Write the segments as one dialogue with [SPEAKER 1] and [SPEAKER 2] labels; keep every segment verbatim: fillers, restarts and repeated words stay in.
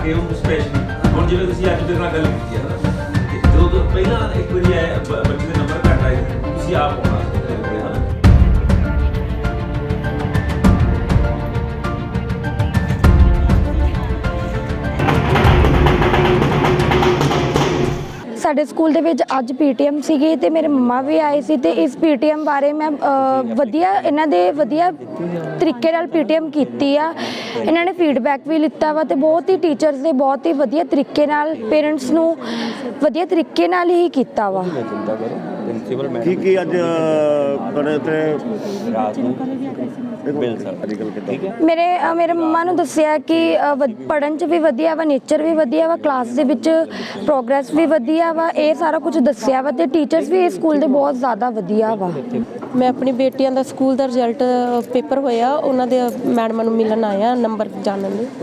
[SPEAKER 1] ਕੇ ਉਹਨੂੰ ਸਪੈਸ਼ਲ ਹੁਣ ਜਿਵੇਂ ਤੁਸੀਂ ਅੱਜ ਦੇ ਨਾਲ ਗੱਲ ਕੀਤੀ ਹੈ ਨਾ, ਜਦੋਂ ਤੋਂ ਪਹਿਲਾਂ ਇੱਕ ਵਾਰੀ ਆਇਆ ਬੱਚੇ ਦੇ ਨੰਬਰ ਘੱਟ ਆਏ ਤੁਸੀਂ ਆਪ ਆਉਣਾ
[SPEAKER 2] ਸਾਡੇ ਸਕੂਲ ਦੇ ਵਿੱਚ ਅੱਜ ਪੀਟੀਐਮ ਸੀਗੀ ਤੇ ਮੇਰੇ ਮੰਮਾ ਵੀ ਆਏ ਸੀ ਤੇ ਇਸ ਪੀਟੀਐਮ ਬਾਰੇ ਮੈਂ ਵਧੀਆ ਇਹਨਾਂ ਦੇ ਵਧੀਆ ਤਰੀਕੇ ਨਾਲ ਪੀਟੀਐਮ ਕੀਤੀ ਆ। ਇਹਨਾਂ ਨੇ ਫੀਡਬੈਕ ਵੀ ਲਿੱਤਾ ਵਾ ਤੇ ਬਹੁਤ ਹੀ ਟੀਚਰਸ ਦੇ ਬਹੁਤ ਹੀ ਵਧੀਆ ਤਰੀਕੇ ਨਾਲ ਪੇਰੈਂਟਸ ਨੂੰ ਵਧੀਆ ਤਰੀਕੇ ਨਾਲ ਹੀ ਕੀਤਾ ਵਾ।
[SPEAKER 3] ਕੀ ਕੀ ਅੱਜ ਤੁਹਾਡੇ ਤੇ ਰਾਤ ਨੂੰ
[SPEAKER 2] ਮੇਰੇ ਮੇਰੇ ਮੰਮਾ ਨੂੰ ਦੱਸਿਆ ਕਿ ਪੜ੍ਹਨ 'ਚ ਵੀ ਵਧੀਆ ਵਾ, ਨੇਚਰ ਵੀ ਵਧੀਆ ਵਾ, ਕਲਾਸ ਦੇ ਵਿੱਚ ਪ੍ਰੋਗਰੈਸ ਵੀ ਵਧੀਆ ਵਾ, ਇਹ ਸਾਰਾ ਕੁਝ ਦੱਸਿਆ ਵਾ ਤੇ ਟੀਚਰਸ ਵੀ ਇਸ ਸਕੂਲ ਦੇ ਬਹੁਤ ਜ਼ਿਆਦਾ ਵਧੀਆ ਵਾ।
[SPEAKER 4] ਮੈਂ ਆਪਣੀ ਬੇਟੀਆਂ ਦਾ ਸਕੂਲ ਦਾ ਰਿਜ਼ਲਟ ਪੇਪਰ ਹੋਇਆ, ਉਹਨਾਂ ਦੇ ਮੈਡਮਾਂ ਨੂੰ ਮਿਲਣ ਆਇਆ ਨੰਬਰ ਜਾਣਨ ਲਈ।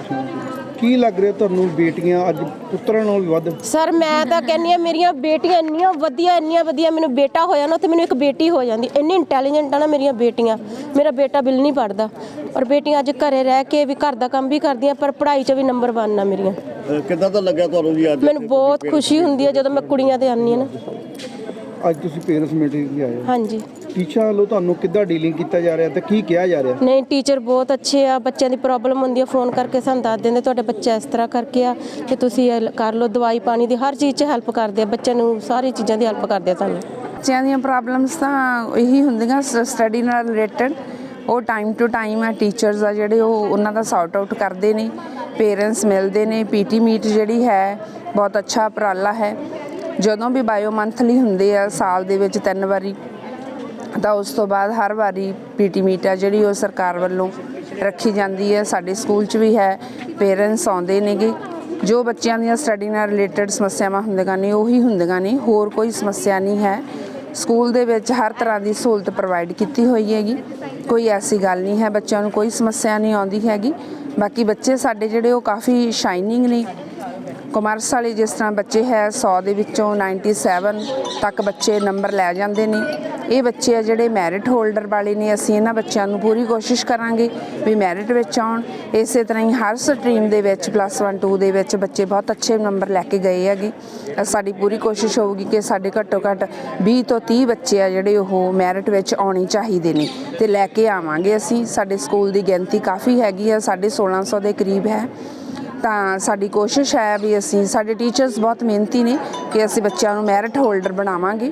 [SPEAKER 5] ਕੀ ਲੱਗ ਰਿਹਾ ਤੁਹਾਨੂੰ ਬੇਟੀਆਂ ਅੱਜ ਪੁੱਤਰਾਂ ਨਾਲੋਂ ਵੀ ਵੱਧ?
[SPEAKER 4] ਸਰ ਮੈਂ ਤਾਂ ਕਹਿੰਦੀ ਹਾਂ ਮੇਰੀਆਂ ਬੇਟੀਆਂ ਇੰਨੀਆਂ ਵਧੀਆ ਇੰਨੀਆਂ ਵਧੀਆ, ਮੈਨੂੰ ਬੇਟਾ ਹੋਇਆ ਨਾ ਤੇ ਮੈਨੂੰ ਇੱਕ ਬੇਟੀ ਹੋ ਜਾਂਦੀ। ਇੰਨੀ ਇੰਟੈਲੀਜੈਂਟ ਆ ਨਾ ਮੇਰੀਆਂ ਬੇਟੀਆਂ। ਮੇਰਾ ਬੇਟਾ ਬਿਲ ਨਹੀਂ ਪੜ੍ਹਦਾ ਔਰ ਬੇਟੀਆਂ ਅੱਜ ਘਰੇ ਰਹਿ ਕੇ ਵੀ ਘਰ ਦਾ ਕੰਮ ਵੀ ਕਰਦੀਆਂ ਪਰ ਪੜ੍ਹਾਈ 'ਚ ਵੀ ਨੰਬਰ ਵਨ ਆ ਮੇਰੀਆਂ।
[SPEAKER 3] ਕਿੱਦਾਂ ਦਾ ਲੱਗਿਆ ਤੁਹਾਨੂੰ ਜੀ ਅੱਜ?
[SPEAKER 4] ਮੈਨੂੰ ਬਹੁਤ ਖੁਸ਼ੀ ਹੁੰਦੀ ਹੈ ਜਦੋਂ ਮੈਂ ਕੁੜੀਆਂ ਤੇ ਆਉਂਦੀ ਹਾਂ ਨਾ।
[SPEAKER 5] ਅੱਜ ਤੁਸੀਂ ਪੇਰੈਂਟਸ ਮੀਟਿੰਗ ਵੀ ਆਏ?
[SPEAKER 4] ਹਾਂਜੀ।
[SPEAKER 5] ਟੀਚਰਾਂ ਵੱਲੋਂ ਤੁਹਾਨੂੰ ਕਿੱਦਾਂ ਡੀਲਿੰਗ ਕੀਤਾ ਜਾ ਰਿਹਾ ਤੇ ਕੀ ਕਿਹਾ ਜਾ ਰਿਹਾ?
[SPEAKER 4] ਨਹੀਂ ਟੀਚਰ ਬਹੁਤ ਅੱਛੇ ਆ, ਬੱਚਿਆਂ ਦੀ ਪ੍ਰੋਬਲਮ ਹੁੰਦੀ ਆ ਫੋਨ ਕਰਕੇ ਸਾਨੂੰ ਦੱਸ ਦਿੰਦੇ ਤੁਹਾਡੇ ਬੱਚਾ ਇਸ ਤਰ੍ਹਾਂ ਕਰਕੇ ਆ ਕਿ ਤੁਸੀਂ ਇਹ ਕਰ ਲਓ, ਦਵਾਈ ਪਾਣੀ ਦੀ ਹਰ ਚੀਜ਼ 'ਚ ਹੈਲਪ ਕਰਦੇ ਆ, ਬੱਚਿਆਂ ਨੂੰ ਸਾਰੀ ਚੀਜ਼ਾਂ ਦੀ ਹੈਲਪ ਕਰਦੇ ਆ ਸਾਨੂੰ।
[SPEAKER 6] ਬੱਚਿਆਂ ਦੀਆਂ ਪ੍ਰੋਬਲਮਸ ਤਾਂ ਇਹੀ ਹੁੰਦੀਆਂ ਸਟੱਡੀ ਨਾਲ ਰਿਲੇਟਡ, ਉਹ ਟਾਈਮ ਟੂ ਟਾਈਮ ਆ ਟੀਚਰਸ ਆ ਜਿਹੜੇ ਉਹ ਉਹਨਾਂ ਦਾ ਸੌਟ ਆਊਟ ਕਰਦੇ ਨੇ, ਪੇਰੈਂਟਸ ਮਿਲਦੇ ਨੇ। ਪੀਟੀ ਮੀਟ ਜਿਹੜੀ ਹੈ ਬਹੁਤ ਅੱਛਾ ਉਪਰਾਲਾ ਹੈ। ਜਦੋਂ ਵੀ ਬਾਇਓ ਮੰਥਲੀ ਹੁੰਦੇ ਆ ਸਾਲ ਦੇ ਵਿੱਚ ਤਿੰਨ ਵਾਰੀ, ਤਾਂ ਉਸ ਤੋਂ ਬਾਅਦ ਹਰ ਵਾਰੀ ਪੀਟੀ ਮੀਟ ਆ ਜਿਹੜੀ ਉਹ ਸਰਕਾਰ ਵੱਲੋਂ ਰੱਖੀ ਜਾਂਦੀ ਹੈ। ਸਾਡੇ ਸਕੂਲ 'ਚ ਵੀ ਹੈ, ਪੇਰੈਂਟਸ ਆਉਂਦੇ ਨੇਗੇ। ਜੋ ਬੱਚਿਆਂ ਦੀਆਂ ਸਟੱਡੀ ਨਾਲ ਰਿਲੇਟਡ ਸਮੱਸਿਆਵਾਂ ਹੁੰਦੀਆਂ ਨੇ ਉਹੀ ਹੁੰਦੀਆਂ ਨੇ, ਹੋਰ ਕੋਈ ਸਮੱਸਿਆ ਨਹੀਂ ਹੈ। ਸਕੂਲ ਦੇ ਵਿੱਚ ਹਰ ਤਰ੍ਹਾਂ ਦੀ ਸਹੂਲਤ ਪ੍ਰੋਵਾਈਡ ਕੀਤੀ ਹੋਈ ਹੈਗੀ, ਕੋਈ ਐਸੀ ਗੱਲ ਨਹੀਂ ਹੈ ਬੱਚਿਆਂ ਨੂੰ ਕੋਈ ਸਮੱਸਿਆ ਨਹੀਂ ਆਉਂਦੀ ਹੈਗੀ। ਬਾਕੀ ਬੱਚੇ ਸਾਡੇ ਜਿਹੜੇ ਉਹ ਕਾਫੀ ਸ਼ਾਈਨਿੰਗ ਨੇ। ਕਮਰਸ ਵਾਲੇ ਜਿਸ ਤਰ੍ਹਾਂ ਬੱਚੇ ਹੈ ਸੌ ਦੇ ਵਿੱਚੋਂ ਨਾਈਨਟੀ ਸੈਵਨ ਤੱਕ ਬੱਚੇ ਨੰਬਰ ਲੈ ਜਾਂਦੇ ਨੇ। ਇਹ ਬੱਚੇ ਆ ਜਿਹੜੇ ਮੈਰਿਟ ਹੋਲਡਰ ਵਾਲੇ ਨੇ। ਅਸੀਂ ਇਹਨਾਂ ਬੱਚਿਆਂ ਨੂੰ ਪੂਰੀ ਕੋਸ਼ਿਸ਼ ਕਰਾਂਗੇ ਵੀ ਮੈਰਿਟ ਵਿੱਚ ਆਉਣ। ਇਸੇ ਤਰ੍ਹਾਂ ਹੀ ਹਰ ਸਟਰੀਮ ਦੇ ਵਿੱਚ ਪਲੱਸ ਵਨ ਟੂ ਦੇ ਵਿੱਚ ਬੱਚੇ ਬਹੁਤ ਅੱਛੇ ਨੰਬਰ ਲੈ ਕੇ ਗਏ ਹੈਗੇ। ਸਾਡੀ ਪੂਰੀ ਕੋਸ਼ਿਸ਼ ਹੋਊਗੀ ਕਿ ਸਾਡੇ ਘੱਟੋ ਘੱਟ ਵੀਹ ਤੋਂ ਤੀਹ ਬੱਚੇ ਆ ਜਿਹੜੇ ਉਹ ਮੈਰਿਟ ਵਿੱਚ ਆਉਣੇ ਚਾਹੀਦੇ ਨੇ ਅਤੇ ਲੈ ਕੇ ਆਵਾਂਗੇ ਅਸੀਂ। ਸਾਡੇ ਸਕੂਲ ਦੀ ਗਿਣਤੀ ਕਾਫੀ ਹੈਗੀ ਆ, ਸਾਢੇ ਸੋਲਾਂ ਸੌ ਦੇ ਕਰੀਬ ਹੈ। ਤਾਂ ਸਾਡੀ ਕੋਸ਼ਿਸ਼ ਹੈ ਵੀ ਅਸੀਂ, ਸਾਡੇ ਟੀਚਰਸ ਬਹੁਤ ਮਿਹਨਤੀ ਨੇ ਕਿ ਅਸੀਂ ਬੱਚਿਆਂ ਨੂੰ ਮੈਰਿਟ ਹੋਲਡਰ ਬਣਾਵਾਂਗੇ।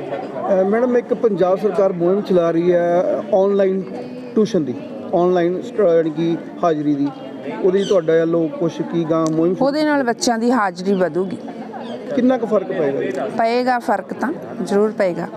[SPEAKER 5] ਮੈਡਮ ਇੱਕ ਪੰਜਾਬ ਸਰਕਾਰ ਮੁਹਿੰਮ ਚਲਾ ਰਹੀ ਹੈ ਔਨਲਾਈਨ ਟਿਊਸ਼ਨ ਦੀ, ਔਨਲਾਈਨ ਯਾਨੀ ਕਿ ਹਾਜ਼ਰੀ ਦੀ, ਉਹਦੇ ਤੁਹਾਡਾ ਵੱਲੋਂ ਕੁਛ ਕੀ ਗਾਂ ਮੁਹਿੰਮ?
[SPEAKER 6] ਉਹਦੇ ਨਾਲ ਬੱਚਿਆਂ ਦੀ ਹਾਜ਼ਰੀ ਵਧੂਗੀ।
[SPEAKER 5] ਕਿੰਨਾ ਕੁ ਫਰਕ ਪਏਗਾ?
[SPEAKER 6] ਪਏਗਾ ਫਰਕ ਤਾਂ ਜ਼ਰੂਰ ਪਏਗਾ।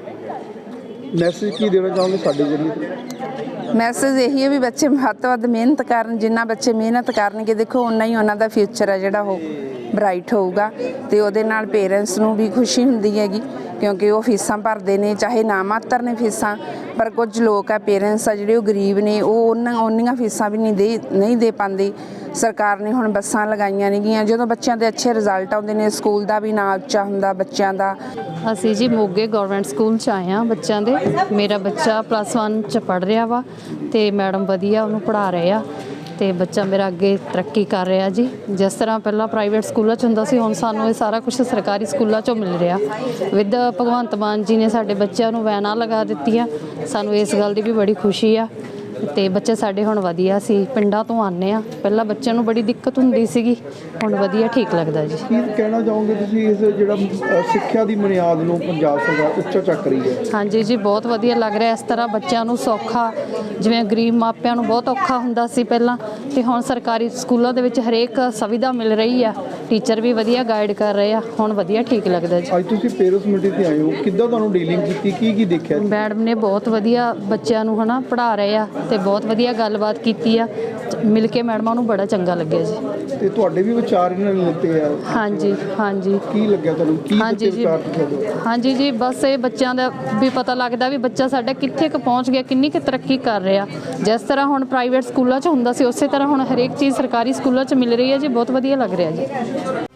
[SPEAKER 5] ਮੈਸੇਜ ਕੀ ਦੇਣਾ ਚਾਹੋਗੇ ਸਾਡੇ ਜ਼ਰੀਏ?
[SPEAKER 6] ਮੈਸੇਜ ਇਹੀ ਹੈ ਵੀ ਬੱਚੇ ਵੱਧ ਤੋਂ ਵੱਧ ਮਿਹਨਤ ਕਰਨ। ਜਿੰਨਾ ਬੱਚੇ ਮਿਹਨਤ ਕਰਨਗੇ ਦੇਖੋ ਉਨਾ ਹੀ ਉਹਨਾਂ ਦਾ ਫਿਊਚਰ ਹੈ ਜਿਹੜਾ ਉਹ ਬਰਾਈਟ ਹੋਊਗਾ ਅਤੇ ਉਹਦੇ ਨਾਲ ਪੇਰੈਂਟਸ ਨੂੰ ਵੀ ਖੁਸ਼ੀ ਹੁੰਦੀ ਹੈਗੀ ਕਿਉਂਕਿ ਉਹ ਫੀਸਾਂ ਭਰਦੇ ਨੇ, ਚਾਹੇ ਨਾ ਮਾਤਰ ਨੇ ਫੀਸਾਂ, ਪਰ ਕੁਝ ਲੋਕ ਆ ਪੇਰੈਂਟਸ ਆ ਜਿਹੜੇ ਉਹ ਗਰੀਬ ਨੇ, ਉਹ ਉਹਨਾਂ ਉਨੀਆਂ ਫੀਸਾਂ ਵੀ ਨਹੀਂ ਦੇ ਨਹੀਂ ਦੇ ਪਾਉਂਦੇ। ਸਰਕਾਰ ਨੇ ਹੁਣ ਬੱਸਾਂ ਲਗਾਈਆਂ ਨੇਗੀਆਂ, ਜਦੋਂ ਬੱਚਿਆਂ ਦੇ ਅੱਛੇ ਰਿਜ਼ਲਟ ਆਉਂਦੇ ਨੇ ਸਕੂਲ ਦਾ ਵੀ ਨਾਂ ਉੱਚਾ ਹੁੰਦਾ ਬੱਚਿਆਂ ਦਾ।
[SPEAKER 7] ਅਸੀਂ ਜੀ ਮੋਗੇ ਗਵਰਨਮੈਂਟ ਸਕੂਲ 'ਚ ਆਏ ਹਾਂ ਬੱਚਿਆਂ ਦੇ। ਮੇਰਾ ਬੱਚਾ ਪਲੱਸ ਵਨ 'ਚ ਪੜ੍ਹ ਰਿਹਾ ਵਾ ਅਤੇ ਮੈਡਮ ਵਧੀਆ ਉਹਨੂੰ ਪੜ੍ਹਾ ਰਹੇ ਆ ਅਤੇ ਬੱਚਾ ਮੇਰਾ ਅੱਗੇ ਤਰੱਕੀ ਕਰ ਰਿਹਾ ਜੀ। ਜਿਸ ਤਰ੍ਹਾਂ ਪਹਿਲਾਂ ਪ੍ਰਾਈਵੇਟ ਸਕੂਲਾਂ 'ਚ ਹੁੰਦਾ ਸੀ, ਹੁਣ ਸਾਨੂੰ ਇਹ ਸਾਰਾ ਕੁਛ ਸਰਕਾਰੀ ਸਕੂਲਾਂ 'ਚੋਂ ਮਿਲ ਰਿਹਾ। ਵਿਦ ਭਗਵੰਤ ਮਾਨ ਜੀ ਨੇ ਸਾਡੇ ਬੱਚਿਆਂ ਨੂੰ ਵੈਨਾਂ ਲਗਾ ਦਿੱਤੀਆਂ, ਸਾਨੂੰ ਇਸ ਗੱਲ ਦੀ ਵੀ ਬੜੀ ਖੁਸ਼ੀ ਆ। ਅਤੇ ਬੱਚੇ ਸਾਡੇ ਹੁਣ ਵਧੀਆ ਸੀ, ਪਿੰਡਾਂ ਤੋਂ ਆਉਂਦੇ ਆ, ਪਹਿਲਾਂ ਬੱਚਿਆਂ ਨੂੰ ਬੜੀ ਦਿੱਕਤ ਹੁੰਦੀ ਸੀਗੀ, ਹੁਣ ਵਧੀਆ ਠੀਕ ਲੱਗਦਾ ਜੀ।
[SPEAKER 5] ਕੀ ਕਹਿਣਾ ਚਾਹੋਗੇ ਤੁਸੀਂ ਇਸ ਜਿਹੜਾ ਸਿੱਖਿਆ ਦੀ ਬੁਨਿਆਦ ਨੂੰ ਪੰਜਾਬ ਸਰਕਾਰ ਉੱਚਾ ਚੱਕ ਰਹੀ ਹੈ?
[SPEAKER 7] ਹਾਂਜੀ ਜੀ ਬਹੁਤ ਵਧੀਆ ਲੱਗ ਰਿਹਾ। ਇਸ ਤਰ੍ਹਾਂ ਬੱਚਿਆਂ ਨੂੰ ਸੌਖਾ, ਜਿਵੇਂ ਗਰੀਬ ਮਾਪਿਆਂ ਨੂੰ ਬਹੁਤ ਔਖਾ ਹੁੰਦਾ ਸੀ ਪਹਿਲਾਂ, ਅਤੇ ਹੁਣ ਸਰਕਾਰੀ ਸਕੂਲਾਂ ਦੇ ਵਿੱਚ ਹਰੇਕ ਸੁਵਿਧਾ ਮਿਲ ਰਹੀ ਆ, ਟੀਚਰ ਵੀ ਵਧੀਆ ਗਾਈਡ ਕਰ ਰਹੇ ਆ, ਹੁਣ ਵਧੀਆ ਠੀਕ ਲੱਗਦਾ ਜੀ।
[SPEAKER 5] ਅੱਜ ਤੁਸੀਂ ਪੇਰੈਂਟਸ ਮੀਟਿੰਗ 'ਤੇ ਆਏ ਹੋ, ਕਿੱਦਾਂ ਤੁਹਾਨੂੰ ਡੀਲਿੰਗ ਕੀਤੀ, ਕੀ ਕੀ ਦੇਖਿਆ?
[SPEAKER 7] ਮੈਡਮ ਨੇ ਬਹੁਤ ਵਧੀਆ ਬੱਚਿਆਂ ਨੂੰ ਹੈ ਨਾ ਪੜ੍ਹਾ ਰਹੇ ਆ ਅਤੇ ਬਹੁਤ ਵਧੀਆ ਗੱਲਬਾਤ ਕੀਤੀ ਆ, ਮਿਲ ਕੇ ਮੈਡਮਾਂ ਨੂੰ ਬੜਾ ਚੰਗਾ ਲੱਗਿਆ ਜੀ।
[SPEAKER 5] ਅਤੇ ਤੁਹਾਡੇ ਵੀ ਵਿਚਾਰ ਇਹਨਾਂ ਨੇ ਲਿੱਤੇ ਆ?
[SPEAKER 7] ਹਾਂਜੀ ਹਾਂਜੀ।
[SPEAKER 5] ਕੀ ਲੱਗਿਆ ਤੁਹਾਨੂੰ? ਕੀ
[SPEAKER 7] ਹਾਂਜੀ ਜੀ ਹਾਂਜੀ ਜੀ ਬਸ ਇਹ ਬੱਚਿਆਂ ਦਾ ਵੀ ਪਤਾ ਲੱਗਦਾ ਵੀ ਬੱਚਾ ਸਾਡਾ ਕਿੱਥੇ ਕੁ ਪਹੁੰਚ ਗਿਆ, ਕਿੰਨੀ ਕੁ ਤਰੱਕੀ ਕਰ ਰਿਹਾ। ਜਿਸ ਤਰ੍ਹਾਂ ਹੁਣ ਪ੍ਰਾਈਵੇਟ ਸਕੂਲਾਂ 'ਚ ਹੁੰਦਾ ਸੀ ਉਸੇ ਤਰ੍ਹਾਂ ਹੁਣ ਹਰੇਕ ਚੀਜ਼ ਸਰਕਾਰੀ ਸਕੂਲਾਂ 'ਚ ਮਿਲ ਰਹੀ ਹੈ ਜੀ, ਬਹੁਤ ਵਧੀਆ ਲੱਗ ਰਿਹਾ ਜੀ।